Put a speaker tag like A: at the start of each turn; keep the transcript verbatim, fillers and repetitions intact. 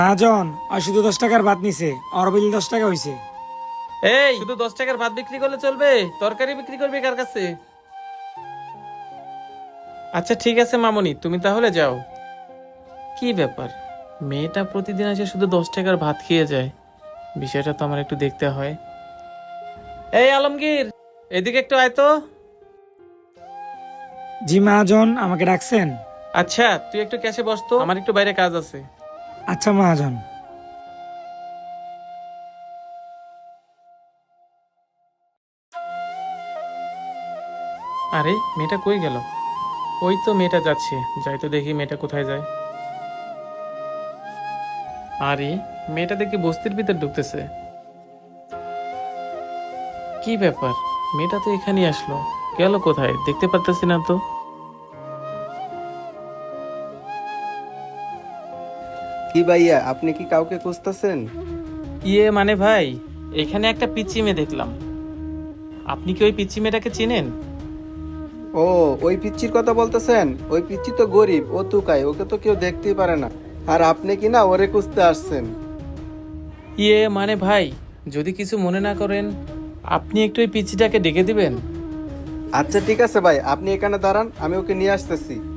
A: মহাজন আর শুধু দশ টাকার ভাত নিছে, আর বিল দশ টাকা হইছে।
B: এই শুধু দশ টাকার ভাত বিক্রি করলে চলবে? তরকারি বিক্রি করবে কার কাছে? আচ্ছা ঠিক আছে মামনি, তুমি তাহলে যাও। কি ব্যাপার, মেয়েটা প্রতিদিন এসে শুধু দশ টাকার ভাত খেয়ে যায়, বিষয়টা তো আমার একটু দেখতে হয়। এই আলমগীর, এদিকে একটু আয় তো।
A: জি মহাজন, আমাকে ডাকছেন?
B: আচ্ছা তুই একটু ক্যাশে বস তো, আমার একটু বাইরে কাজ আছে।
A: আচ্ছা মহাজন।
B: আরে মেয়েটা কই গেল? ওই তো মেয়েটা যাচ্ছে, যাই তো দেখি মেয়েটা কোথায় যায়। আরে মেয়েটা দেখি বস্তির ভিতর ঢুকতেছে। কি ব্যাপার, মেয়েটা তো এখানেই আসলো, গেল কোথায় দেখতে পারতেছি না তো।
C: কি ভাইয়া, আপনি কি কাউকে খুঁজতেছেন?
B: ইয়ে মানে ভাই, এখানে একটা পিচ্চি মেয়ে দেখলাম, আপনি কি ওই পিচ্চি মেয়েটাকে চিনেন?
C: ও, ওই পিচ্চির কথা বলতেছেন? ওই পিচ্চি তো গরিব, ও তুকায়, ওকে তো কেউ দেখতেই পারে না। আর আপনি কি না ওরে খুঁজতে আসছেন?
B: ইয়ে মানে ভাই, যদি কিছু মনে না করেন, আপনি একটু ওই পিচ্চিটাকে ডেকে দিবেন।
C: আচ্ছা ঠিক আছে ভাই, আপনি এখানে দাঁড়ান, আমি ওকে নিয়ে আসতেছি।